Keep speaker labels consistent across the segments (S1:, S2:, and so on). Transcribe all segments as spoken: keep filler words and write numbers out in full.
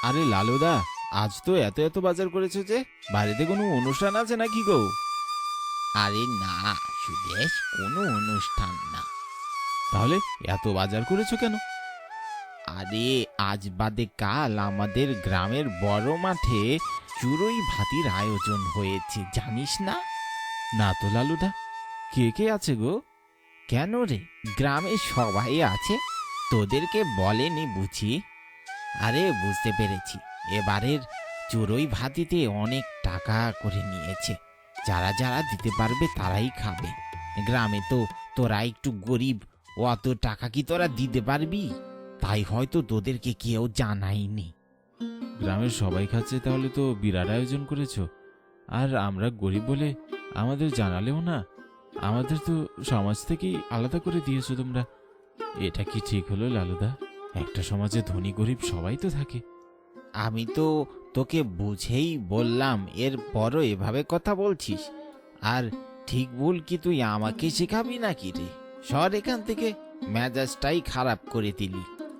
S1: আরে লালুদা, আজ তো এত এত বাজার করেছো যে, বাড়িতে কোনো অনুষ্ঠান আছে নাকি গো?
S2: আরে না সুদেশ, কোনো অনুষ্ঠান না।
S1: তাহলে এত বাজার করেছো কেন?
S2: আরে আজ বাদে কাল আমাদের গ্রামের বড় মাঠে চুরই ভাতির আয়োজন হয়েছে, জানিস না?
S1: না তো লালুদা, কে কে আছে গো?
S2: কেন রে, গ্রামের সবাই আছে, তোদেরকে বলেনি বুঝি? আরে বুঝতে পেরেছি, এবারের চুরই ভাতিতে অনেক টাকা করে নিয়েছে। যারা যারা দিতে পারবে তারাই খাবে। গ্রামে তো তোরা একটু গরিব, অত টাকা কি তোরা দিতে পারবি? তাই হয়তো তোদেরকে কেউ জানায়নি।
S1: গ্রামের সবাই খাচ্ছে, তাহলে তো বিরাট আয়োজন করেছো। আর আমরা গরিব বলে আমাদের জানালেও না। আমাদের তো সমাজ থেকেই আলাদা করে দিয়েছো তোমরা। এটা কি ঠিক হলো লালুদা? একটা সমাজে ধনী গরিব সবাই তো থাকে।
S2: আমি তো তোকে বুঝেই বললাম, এর পরও এভাবে কথা বলছিস? আর ঠিক ভুল কি তুই আমাকে শেখাবি নাকি রে? সর এখান থেকে, মেজাজটাই খারাপ করে দিলি।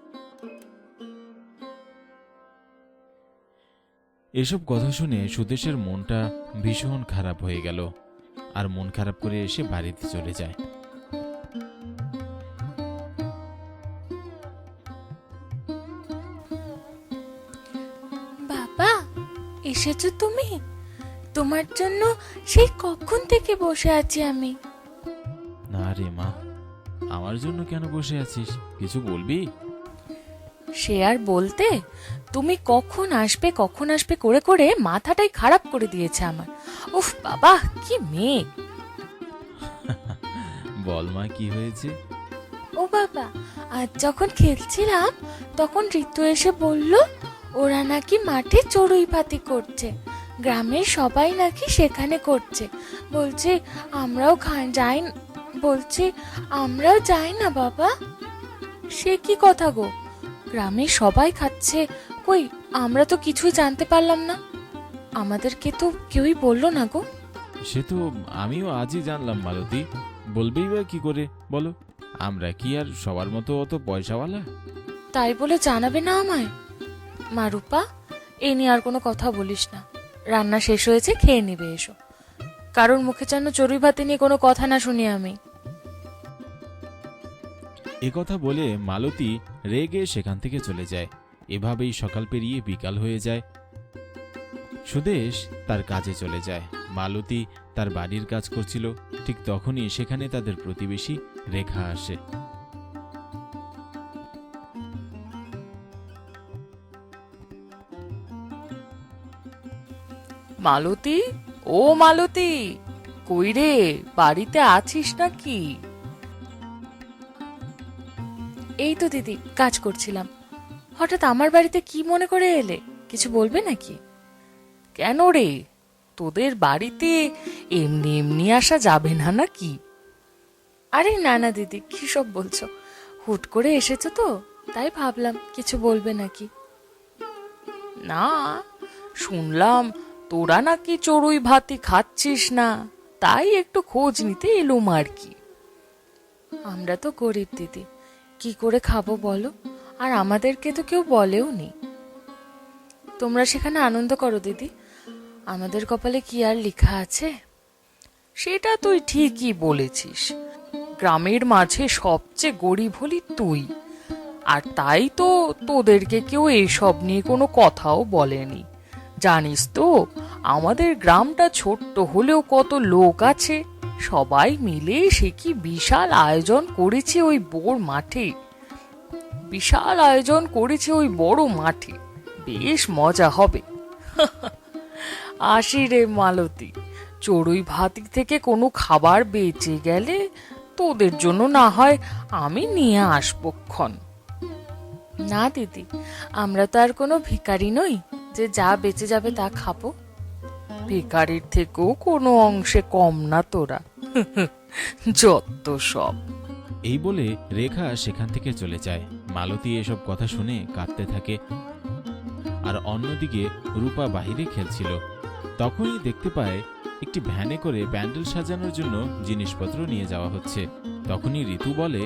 S1: এসব কথা শুনে সুদেশের মনটা ভীষণ খারাপ হয়ে গেল, আর মন খারাপ করে এসে বাড়িতে চলে যায়।
S3: বাবা, এসেছো তুমি? তোমার জন্য সেই কখন থেকে বসে আছি আমি।
S1: না রে মা, আমার জন্য কেন বসে আছিস? কিছু বলবি?
S3: সে আর বলতে, তুমি কখন আসবে কখন আসবে করে করে মাথাটাই খারাপ করে দিয়েছে আমার। উফ বাবা, কি মেয়ে!
S1: বল মা, কি হয়েছে?
S3: ও বাবা, আজ যখন খেলছিলাম তখন ঋতু এসে বলল ওরা নাকি মাঠে চড়ুই ভাতি করছে, গ্রামের সবাই নাকি সেখানে করছে। বলছে আমরাও খান যাই, বলছে আমরাও যাই না বাবা। সে কি কথা গো? গ্রামের সবাই খাচ্ছে, কই আমরা তো কিছুই জানতে পারলাম না। আমাদেরকে তো কেউই বললো না গো।
S1: সে তো আমিও আজই জানলাম মালতী। বলবেই বা কি করে বলো? আমরা কি আর সবার মতো অত পয়সাওয়ালা?
S3: তাই বলে জানাবে না আমায়? মা রূপা, এ নিয়ে আর কোনো কথা বলিস না। রান্না শেষ হয়েছে, খেয়ে নিবে এসো। কারোর মুখে যেন চড়ুই ভাতি নিয়ে কোনো কথা না শুনি আমি।
S1: এ কথা বলে মালতী রেগে সেখান থেকে চলে যায়। এভাবেই সকাল পেরিয়ে বিকাল হয়ে যায়। সুদেশ তার কাজে চলে যায়। মালতী তার বাড়ির কাজ করছিল। ঠিক তখনই সেখানে তাদের প্রতিবেশী রেখা আসে।
S3: মালতী, ও মালতী, কই রে, বাড়িতে আছিস নাকি? এই তো দিদি, কাজ করছিলাম। হঠাৎ আমার বাড়িতে কি মনে করে এলে? কিছু বলবে নাকি? কেন রে, তোদের বাড়িতে এমনি এমনি আসা যাবে না নাকি? আরে না না দিদি, কি সব বলছো? হুট করে এসেছো তো, তাই ভাবলাম কিছু বলবে নাকি। না, শুনলাম তোরা নাকি চড়ুই ভাতি খাচ্ছিস না, তাই একটু খোঁজ নিতে এলুম আর কি। আমরা তো গরিব দিদি, কি করে খাবো বলো? আর আমাদেরকে তো কেউ বলেও নি। তোমরা সেখানে আনন্দ করো দিদি, আমাদের কপালে কি আর লেখা আছে? সেটা তুই ঠিকই বলেছিস, গ্রামের মাঝে সবচেয়ে গরিব হলি তুই, আর তাই তো তোদেরকে কেউ এসব নিয়ে কোনো কথাও বলেনি। জানিস তো, আমাদের গ্রামটা ছোট্ট হলেও কত লোক আছে, সবাই মিলে সে কি বিশাল আয়োজন করেছে ওই বড় মাঠে। বিশাল আয়োজন করেছে ওই বড় মাঠে, বেশ মজা হবে। আসি রে মালতী, চড়ুই ভাতি থেকে কোনো খাবার বেঁচে গেলে তোদের জন্য না হয় আমি নিয়ে আসবো ক্ষণ। না দিদি, আমরা তো আর কোনো ভিখারি নই যে যা বেঁচে যাবে তা খাবো। ভিখারির থেকেও কোনো অংশে কম না তোরা। যত সব।
S1: এই বলে রেখা সেখান থেকে চলে যায়। মালতী এসব কথা শুনে কাঁদতে থাকে। আর অন্যদিকে রূপা বাহিরে খেলছিল। তখনই দেখতে পায় একটি ভ্যানে করে প্যান্ডেল সাজানোর জন্য জিনিসপত্র নিয়ে যাওয়া হচ্ছে। তখনই ঋতু বলে,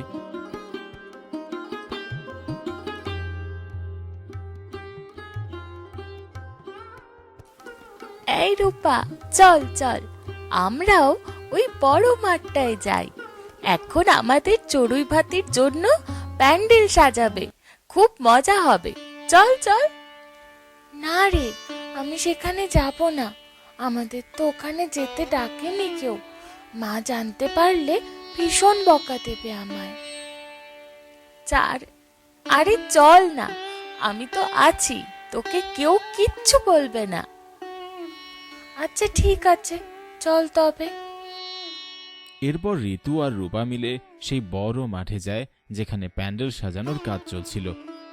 S3: রূপা, চল চল আমরাও ওই বড় মাঠটায় যাই। এখন আমাদের চড়ুই ভাতির জন্য প্যান্ডেল সাজাবে, খুব মজা হবে। চল চল। না রে, আমি সেখানে যাব না। আমাদের তো ওখানে যেতে ডাকেনি কেউ। মা জানতে পারলে ভীষণ বকা দেবে আমায়। চার আরে চল না, আমি তো আছি, তোকে কেউ কিচ্ছু বলবে না। আচ্ছা ঠিক আছে, চল তবে।
S1: এরপর ঋতু আর রূপা মিলে সেই বড় মাঠে যায় যেখানে প্যান্ডেল সাজানোর কাজ চলছিল।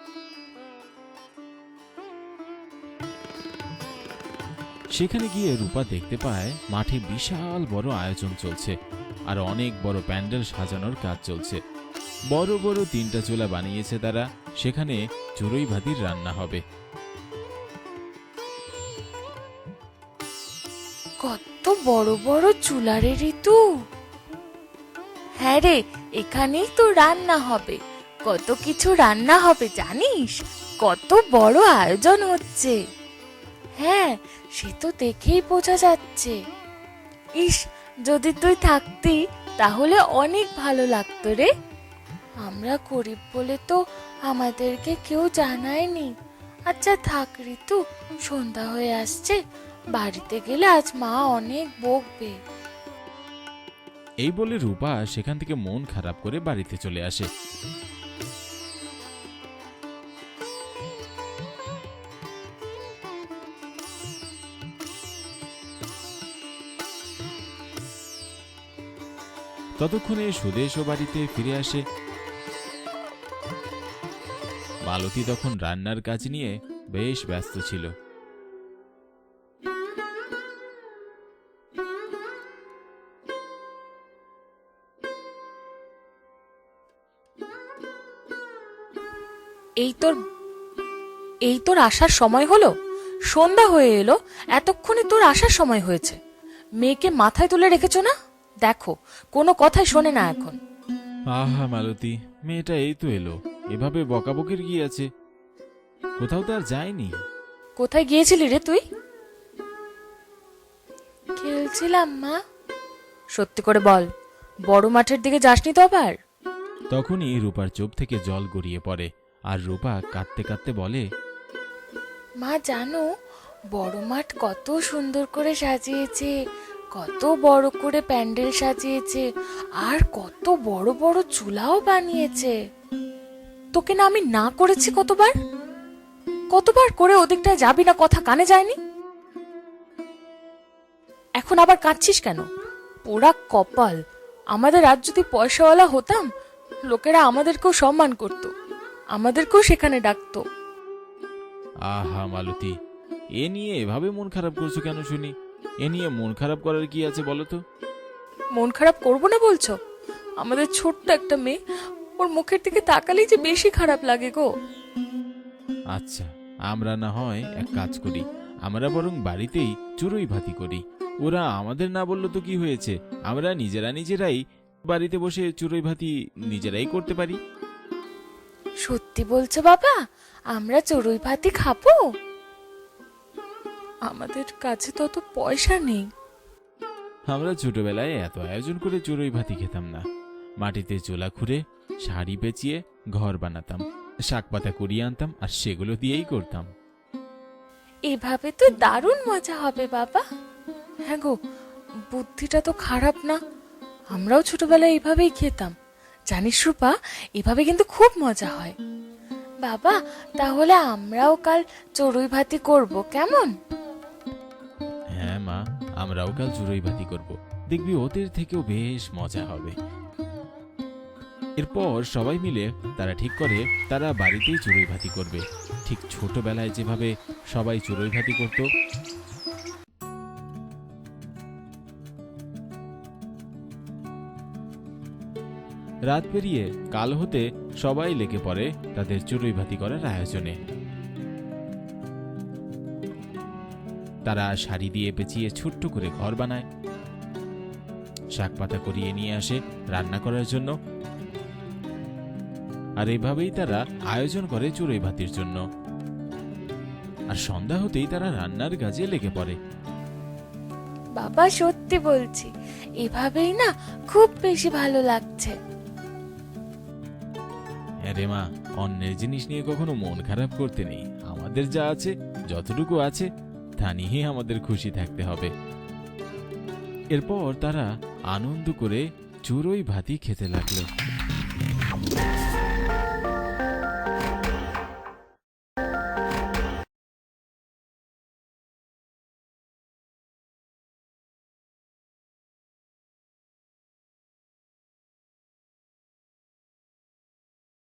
S1: সেখানে গিয়ে রূপা দেখতে পায় মাঠে বিশাল বড় আয়োজন চলছে আর অনেক বড় প্যান্ডেল সাজানোর কাজ চলছে। বড় বড় তিনটা চুলা বানিয়েছে তারা, সেখানে চড়ুই ভাতির রান্না হবে।
S3: কত বড় বড় চুলারে ঋতু। হ্যাঁ রে, এখানেই তো রান্না হবে। কত কিছু রান্না হবে জানিস? কত বড় আয়োজন হচ্ছে। হ্যাঁ, সে তো দেখেই বোঝা যাচ্ছে। ইস, যদি তুই থাকতি তাহলে অনেক ভালো লাগতো রে। আমরা গরিব বলে তো আমাদেরকে কেউ জানায়নি। আচ্ছা থাক ঋতু, সন্ধ্যা হয়ে আসছে, বাড়িতে গেলে আজ মা অনেক বকবে।
S1: এই বলে রূপা সেখান থেকে মন খারাপ করে বাড়িতে চলে আসে। ততক্ষণে সুদেশ ও বাড়িতে ফিরে আসে। মালতী তখন রান্নার কাজ নিয়ে বেশ ব্যস্ত ছিল।
S3: এই তোর এই তোর আসার সময় হলো? সন্ধ্যা হয়ে এলো, এতক্ষণে তোর আসার সময় হয়েছে। মেয়েকে মাথায় তুলে রেখেছো না? দেখো, কোনো কথাই শোনে না এখন।
S1: আহা মালতী, মেয়েটা এই তো এলো, এভাবে বকাবকির কি আছে? কোথাও তো আর যায়নি।
S3: কোথায় গিয়েছিলি রে তুই? খেলছিলাম মা। সত্যি করে বল, বড় মাঠের দিকে যাসনি তো আবার?
S1: তখনই রূপার চোখ থেকে জল গড়িয়ে পড়ে আর রূপা কাঁদতে কাঁদতে বলে,
S3: মা জানো, বড় মাঠ কত সুন্দর করে সাজিয়েছে, কত বড় করে প্যান্ডেল সাজিয়েছে, আর কত বড় বড় চুলাও বানিয়েছে। তোকে না আমি না করেছি কতবার? কতবার করে ওদিকটায় যাবি না, কথা কানে যায়নি? এখন আবার কাঁদছিস কেন? পোড়া কপাল। আমাদের আজ যদি পয়সাওয়ালা হতাম, লোকেরা আমাদেরকেও সম্মান করত, আমাদেরকেও সেখানে ডাকতো।
S1: আহা মালতী, এ নিয়ে এভাবে মন খারাপ করছো কেন শুনি? এ নিয়ে মন খারাপ করার কি আছে বলো তো?
S3: মন খারাপ করবো না বলছো? আমাদের ছোট্ট একটা মেয়ে, ওর মুখের দিকে তাকালেই যে বেশি খারাপ লাগে গো।
S1: আচ্ছা, আমরা না হয় এক কাজ করি, আমরা বরং বাড়িতেই চড়ুই ভাতি করি। ওরা আমাদের না বললো তো কি হয়েছে, আমরা নিজেরা নিজেরাই বাড়িতে বসে চড়ুই ভাতি নিজেরাই করতে পারি।
S3: সত্যি বলছো বাবা? আমরা চড়ুই ভাতি খাবো? আমাদের কাছে তো অত পয়সা নেই।
S1: আমরা ছোটবেলায় এত আয়োজন করে চড়ুই ভাতি খেতাম না। মাটিতে চোলা খুঁড়ে শাড়ি পেঁচিয়ে ঘর বানাতাম, শাক পাতা কুড়িয়ে আনতাম আর সেগুলো দিয়েই করতাম।
S3: এভাবে তো দারুণ মজা হবে বাবা। হ্যাঁ গো, বুদ্ধিটা তো খারাপ না। আমরাও ছোটবেলায় এইভাবেই খেতাম, জানিস রূপা, এভাবে কিন্তু খুব মজা হয়। বাবা, তাহলে আমরাও কাল চড়ুই ভাতি করব, কেমন?
S1: হ্যাঁ মা, আমরাও কাল চড়ুই ভাতি করব, দেখবি ওদের থেকেও বেশ মজা হবে। এরপর সবাই মিলে তারা ঠিক করে তারা বাড়িতেই চড়ুই ভাতি করবে, ঠিক ছোটবেলায় যেভাবে সবাই চড়ুই ভাতি করত। রাত পেরিয়ে কাল হতে সবাই লেগে পড়ে তাদের চড়ুই ভাতি করার আয়োজনে। তারা শাড়ি দিয়ে পেঁচিয়ে ছোট্ট করে ঘর বানায়, শাক পাতা করিয়ে নিয়ে আসে রান্না করার জন্য, আর এভাবেই তারা আয়োজন করে চড়ুই ভাতির জন্য। আর সন্ধ্যা হতেই তারা রান্নার কাজে লেগে পড়ে।
S3: বাবা সত্যি বলছি, এভাবেই না খুব বেশি ভালো লাগছে।
S1: হ্যাঁ রে মা, অন্যের জিনিস নিয়ে কখনো মন খারাপ করতে নেই। আমাদের যা আছে, যতটুকু আছে তা নিয়ে আমাদের খুশি থাকতে হবে। এরপর তারা আনন্দ করে চড়ুই ভাতি খেতে লাগলো।